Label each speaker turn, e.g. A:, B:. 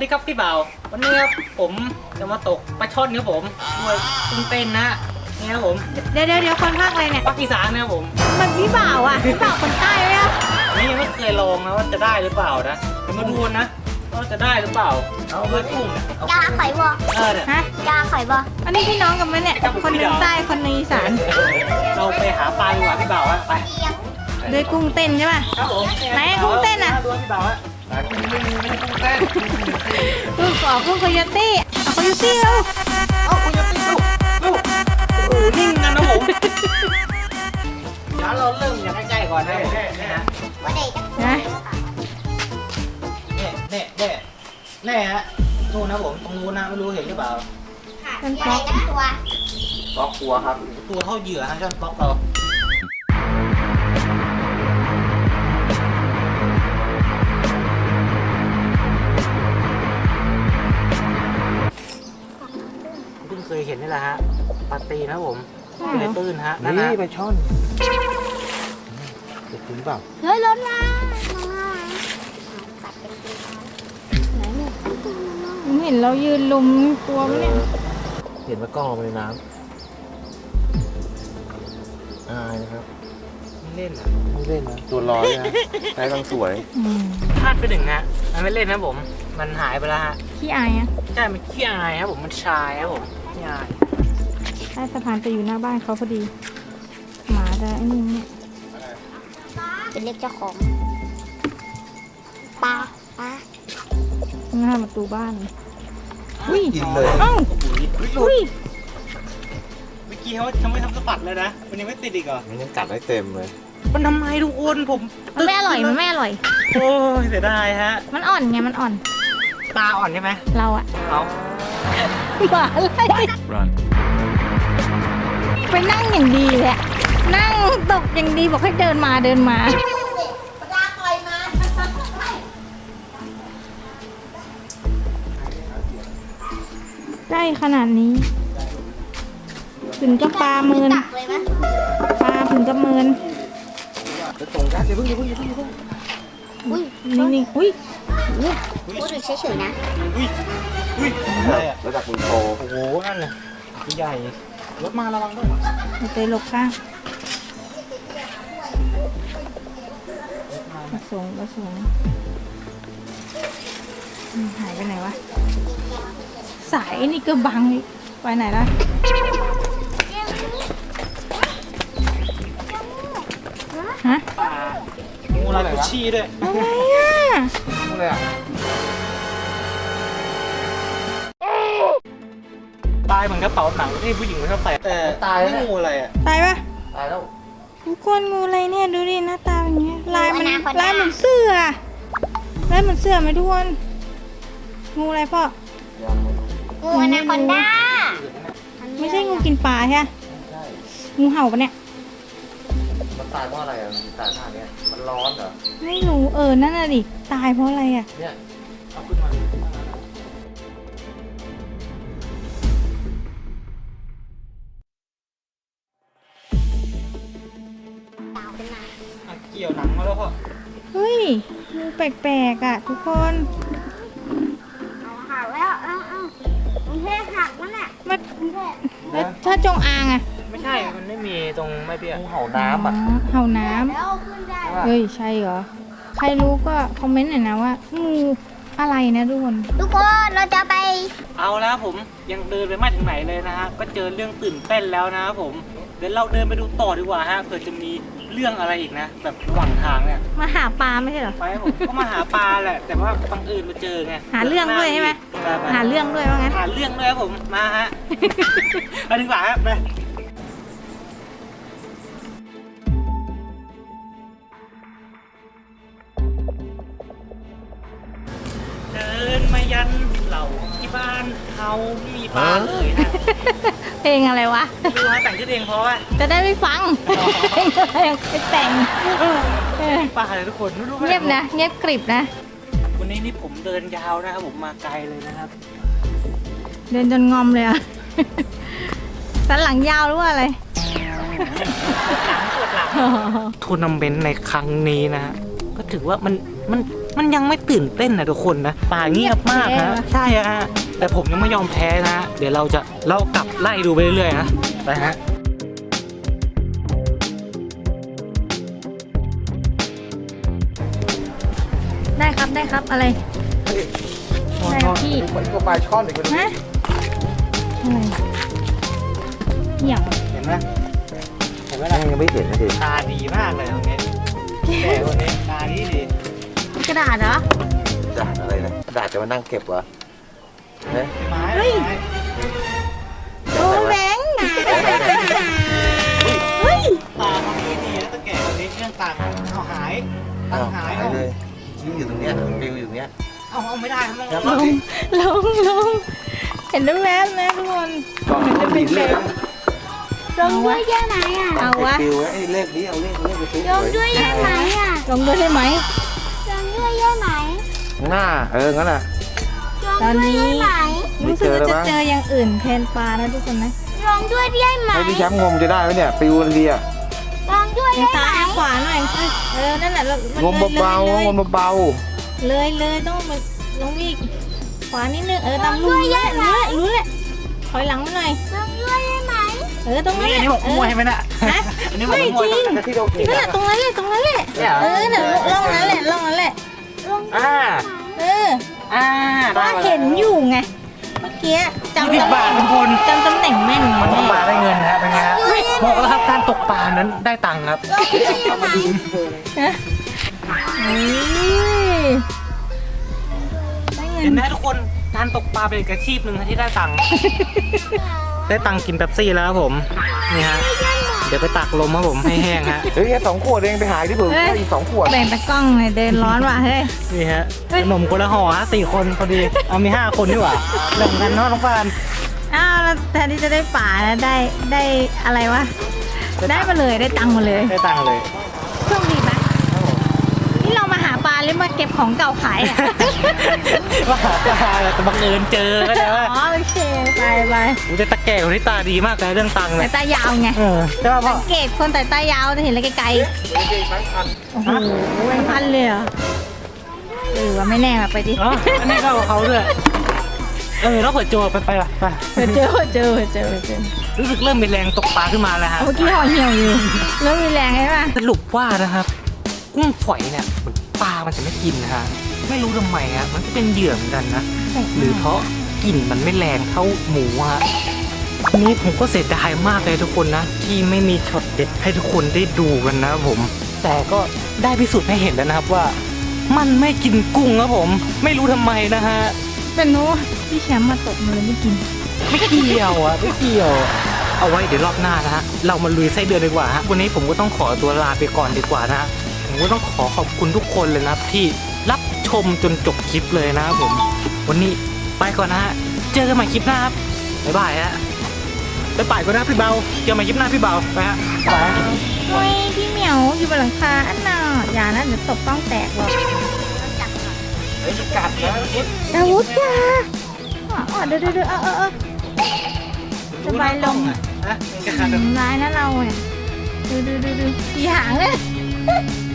A: ครับพี่บ่าววันนี้ครับผมจะมาตกปลาช่อนครับผมด้วยกุ้งเต้นนะนี่ครับผม
B: เดี๋ยวคนภาคอะไรเนี่ย
A: ภาคอีสานนะครับผม
B: มันพี่บ่าวอ่ะพี่บ่าวคนใต้ไหมอ่ะ
A: อันนี้ยังไม่เคยลองนะว่าจะได้หรือเปล่านะเดี๋ยวมาดูนะว่าจะได้หรือเปล่าเอาด้วยกุ้งเนี่ยเอา
C: ยาไข่บอ
A: เนี่ย
B: ฮะ
C: ยาไข่บอ
B: อันนี้พี่น้องกันไหมเนี่ยคนหนึงใต้คนหนึงอีสาน
A: เราไปหาปลาดีกว่าพี่บ่าวอะไป
C: เลี้ยง
B: ด้วยกุ้งเต้นใช่ป่ะ
A: ครับผม
B: ไหนกุ้งเต้นอะ
A: ดูพี่บ่าวอะกุ้งไม่ใช่กุ้งเต้น
B: กุ้งอ๋อกุ้งโคโยตี้เอาโคโยตี้แล้ว
A: เอาคุณจะตีลูกโอ้โหนิ่งกันนะผมเดี๋ยวเราเริ่มอย่างใกล้ๆก่อนนะผมนี่ฮะ
C: ว่าเด็กจะ
B: นะ
A: แน่ฮะนู่นนะผมตรงนู้นนะไม่รู้เห็นหรือเปล่า
C: ว่าเด็กจะตัว
A: ป๊อกครัวครับตัวเท่าเหยื่อฮะช่อนป๊อกเราเพิ่งเคยเห็นนี่แหละฮะปลาตีนะผมในตื้นฮะนั่น
D: นี่
A: นะ
D: ไปช่อนจะถึงเปล่า
C: เฮ้ยรถมาตัดเป็นปีไหนเนี่ย
B: ผมเห็นเรายืนลุมตัวมันเนี่ย
D: เห็นว่ากล้องลงไปในน้ำอายนะครับ
A: ไม่เล่นอ่ะ
D: ไม่เล่นนะตัวลอยนะใช้กำลังสวย
A: พลาดไปหนึ่งฮะมันไม่เล่นนะผมมันหายไปแล้วฮะ
B: ขี้อายอ่ะ
A: ใช่มันขี้อายครับผมมันชายครับผมขี้อาย
B: ใต้สะพานจะอยู่หน้าบ้านเขาพอดีหมาจะไอ้นี่เนี่ย
C: เป็นเรียกเจ้าของปลา
B: หน้าประตูบ้านอุ้ย
D: กินเลย
B: เอ้า
A: หลุ
B: อุ้
A: ด
B: ย
A: เมื่อกี้เขาทำไม่ทำสะบัดเลยนะมันยังไม่ติดอีกเหรอ
D: มันยังกัดได้เต็มเลย
A: มันทำไมทุกคนผม
B: มันไม่อร่อยมันไม่อร่อย
A: โอ้ยเสียดายฮะ
B: มันอ่อนไงมันอ่อน
A: ตาอ่อนใช่ไหม
B: เราอะ
A: เอา
B: หมาอะไรไปนั่งอย่างดีเลยอะนั่งตกอย่างดีบอกให้เดินมาเดินมา
C: ปลาปล่อยมา
B: ได้ขนาดนี้ ถึงกับปลาเมิน
C: ตักเลยไหม
B: ปลาถึงกับเมิน
D: จะตรงยักษ์อย่าเพิ่ง
C: อุ้ย
B: นิ่งๆอุ้ย
C: พูดดูเฉยๆนะ
A: อุ้ยอะไรอ่ะ
D: ระดับมือโต
A: โอ้โหนั่นเลยตัวใหญ่รถมาระวังด้วย
B: เอาเตะหลบข้างประสงค์หายไปไหนวะ สายนี่ก็บังอีกไปไหนละ ฮะ
A: ปลางูลายกุชชี่ด้วย
B: อะไรอ่ะ
D: นู่นเลยอ่ะ
A: ตายเหมือนกระเป๋าหนังที่ผู้หญิงไม่ชอบใส่แต่ไม่งูอะไรอ่ะ
B: ตายปะ
D: ตายแล้ว
B: ทุกคนงูอะไรเนี่ยดูดิหน้าตาเป็นไงลายมันลายเหมือนเสื้อลายเหมือนเสื้อไหมทุกคนงูอะไรพ่อ
D: ยังไม่
C: งูอนาคอนด้า
B: ไม่ใช่งูกินปลาใช่ไหม
D: ใช่
B: งูเห่าปะเนี่ย
D: มันตายเพราะอะไรอ่ะมันตายท่าเนี้ยมันร้อนเหรอ
B: ไม่รู้นั่นน่ะดิตายเพราะอะไรอ่ะ
D: เนี่ย
A: เอาขึ้นมา
C: ดาวขึ้นมา
A: อ่ะเกี่ยวหนังมาแล้วพ่อ
B: เฮ้ยงูแปลกๆอ่ะทุกคน
C: เอาหักแล้วเอามันแค่หักมันแหละ
B: มันแล้วถ้าจงอางอ่ะ
A: ไม่ใช่มันไม่มีตรงไม่เปี้ย
D: งูเห่าน้ำอ่ะ
B: เห่าน้ำ
C: แล้วขึ้นได้
B: เฮ้ยใช่เหรอใครรู้ก็คอมเมนต์หน่อยนะว่างูอะไรนะทุกคน
C: ทุกคนเราจะไป
A: เอาแล้วผมยังเดินไปไม่ถึงไหนเลยนะฮะก็เจอเรื่องตื่นเต้นแล้วนะครับผมเดี๋ยวเราเดินไปดูต่อดีกว่าฮะเผื่อจะมีเรื่องอะไรอีกนะ แบบระหว่างทางเนี่ย
B: มาหาปลาไม่ใช่เหรอ
A: ไปผมก็มาหาปลาแหละ แต่ว่าบังเอิญมาเจอไง
B: หาเรื่องด้วยใช่ไหม
A: ป
B: หาเรื่องด้วยว่างั้น
A: หาเรื่องด้วยครับผมมาฮะ ไปดีกว่าครับไปเดินมายันเหล่าที่บ้านเขามีปลาเลยนะ
B: เพลงอะไรวะ
A: ดูฮะแต่งชื่อเพลงเพราะว่า
B: จะได้ไม่ฟังเพลงอะไรไปแต่งเออ
A: ปลาเลยทุกคนไม่รู้
B: เงียบนะเงียบกริบนะ
A: วันนี้นี่ผมเดินยาวนะครับผมมาไกลเลยนะครับ
B: เดินจนงอมเลยอ่ะ สันหลังยาวหรือว่าอะไร
A: ทัวร์นาเมนต์ในครั้งนี้นะฮะก็ถือว่ามันมันยังไม่ตื่นเต้นนะทุกคนนะป่าเงียบมากนะใช่ฮะแต่ผมยังไม่ยอมแพ้นะเดี๋ยวเรากลับไล่ดูไปเรื่อยๆนะไปฮะ
B: ได้ครับอะไรได้ครับพี่
D: มันก็ปลาช่อนอีกคนนึง
B: ฮะอะไรอย่าง
A: เห็นไหมเห็นไหม
D: ยั
A: ล่ะ
D: งไม่เห็นนะดิ
A: ตาดีมากเลยตรงนี้แต่คนนี้ตาดี
B: กระดาษเหรอ
D: ดาดอะไรนะดาดจะมานั่งเก็บวะเฮ้ย
A: ไม้
B: เฮ้ย โอ้แบงค์เฮ้ย
A: ตาคนนี้ดีแล้วตะแก่คนนี้เรื่องตังค์เอาหายตังค์หาย
D: หายเลยชี้อยู่ตรงเนี้ยปิวอยู่ตรงเนี้ย
A: เอาไม่ได้ครับ
D: แล้ว
B: ล
D: ก็
B: งเห็นแว๊บๆนะทุกคน
D: ก็มีเลข
C: ลงด้วยได้ไหมอ่ะ
B: เอาวะ
D: ปิวไอ้เลขนี้เอาเลขไปซื้อ
C: ลงด้วยได้ไหมอ่ะ
B: ลงด้วยได้ไหม
C: ลงด้วยได้ไหม
D: หน้างั้นน่ะ
C: ลงด้วยได้ไหม
B: รู้สึกว่าจะเจออย่างอื่นแทนปลานะทุกคนนะ
C: ลงด้วยได้ไหม
D: ให้พี่แชมป์งมจะได้ไหมเนี่ยปิวดีอ่ะ
C: ลงด้วย
B: ทาง
C: ได้
B: ซ้าย
C: ไหม
B: ทางขวาหน่อยนั่นแหละ
D: งมเบาๆงมเบา
B: เลยต้องมาลงอีกขวานิดนึงตามรูรู้แหละถอยหลังมาหน่อย
C: ลงด้วยได้ไหม
B: ตรงนั้น
A: นี่อันนี้บอกมวยใช่ไหมน่ะ
B: ฮะ
A: อันนี้บอก
B: ไม่
A: มวย
B: จริง
D: ๆที่เรากิน
B: นั่นแหละตรงนั้นแหละ
A: เนี่ย
B: น่ะร่องนั้นแหละ
C: ลงด้วย
A: อ่า อ่า
B: ก็เห็นอยู่ไง เมื่อกี้จำ
A: 20 บาททุกคน
B: จำตำแหน่งแม่น
A: มันต้อง
B: แม่
A: มาได้เงินนะเป็นไงฮะบอกแล้วครับการตกปลานั้นได้ตังค์ครับ
C: ลงด้วยได้ไหม
B: ได้เงิ
A: เห็น
B: น
A: ไหมทุกคนการตกปลาเป็นอีกอาชีพหนึ่งนะที่ได้ตังค์ ได้ตังค์กินเป๊ปซี่แล้วครับผมนี่ฮะเดี๋ยวไปตักลมครับผมให้แห้งฮะ
D: เฮ้ยแค่2 ขวดเองไปหายที่ผมได้อีก2 ขวด
B: แบ่งตะกล้องเลยเดินร้อนว่ะเฮ้ย
A: นี่ฮะขนมคนละห่อฮะ4 คนพอดีเอามี5 คนดีกว่าแบ่งกันเนาะน้องปาน
B: อ้าวแล้วแทนที่จะได้ป่านะได้อะไรวะ ได้มาเลยได้ตังค์มาเลย
A: ได้ตังค์เลย
B: โชคดีไหมนี่เรามาหาปลาหรือมาเก็บของเก่าขายอ่ะ
A: ว่าหาปลาแต่บังเอิญเจอก็ได้ว่า
B: อ๋อโอเคไป
A: อุ้ยแต่ตะแก่คนนี้ตาดีมากเลยเรื่องตังค์
B: แต่
A: เนี่ย
B: ตายาวไง
A: ใช่ป่ะพ่อ
B: สังเกตคนแต่ตายาวจะเห็นอะไรไกลๆโอ้โหพันเลยเหรอว่าไม่แน่มาไปดิ
A: อ๋ออันนี้ก็เขาด้วยแล้วเปิดโจไปว่ะไป
B: เจอ
A: รู้สึกเริ่มมีแรงตกปลาขึ้นมาแล้วฮะ
B: เมื่อกี้ห่อเหี่ยวอยู่แล้วมีแรงใช่ปะ
A: สรุปว่านะครับ กุ้งฝอยเนี่ยปลามันจะไม่กินนะฮะไม่รู้ทำไมฮะมันก็เป็นเหยื่อเหมือนกันนะหรือเพราะกลิ่นมันไม่แรงเท่าหมูฮะทีนี้ผมก็เสียดายมากเลยทุกคนนะที่ไม่มีช็อตเด็ดให้ทุกคนได้ดูกันนะครับผม แต่ก็ได้พิสูจน์ให้เห็นแล้วนะครับว่า มันไม่กินกุ้งครับผม ไม่รู้ทำไมนะฮะ
B: เป็นโน้พี่แชมป์มาตกมาเลยไม่กิน
A: ไม่เกี่ยวอ่ะไม่เกี่ยว เอาไว้เดี๋ยวรอบหน้านะฮะเรามาลุยไส้เดือนดีกว่าฮะวันนี้ผมก็ต้องขอตัวลาไปก่อนดีกว่านะฮะผมก็ต้องขอคุณทุกคนเลยนะครับที่รับชมจนจบคลิปเลยนะครับผม วันนี้ไปก่อนนะฮะเจอกันใหม่คลิปหน้าครับบ๊ายบายฮะไปป่ายก่อนนะพี่เบาเจอกันใหม่คลิปหน้าพี่เบาไปฮะไปฮะ
B: โอ้ยพี่เหมียวอยู่บนหลังคาอันน่ะอย่านะเดี๋ยวตกต้องแตกหรอก
A: เฮ้ยกัดนะ
B: ดาวุธจ้าเดี๋ยวสบายลง
A: นะกัด
B: ร้ายนะเราเนี่ยดูกี่หางเลย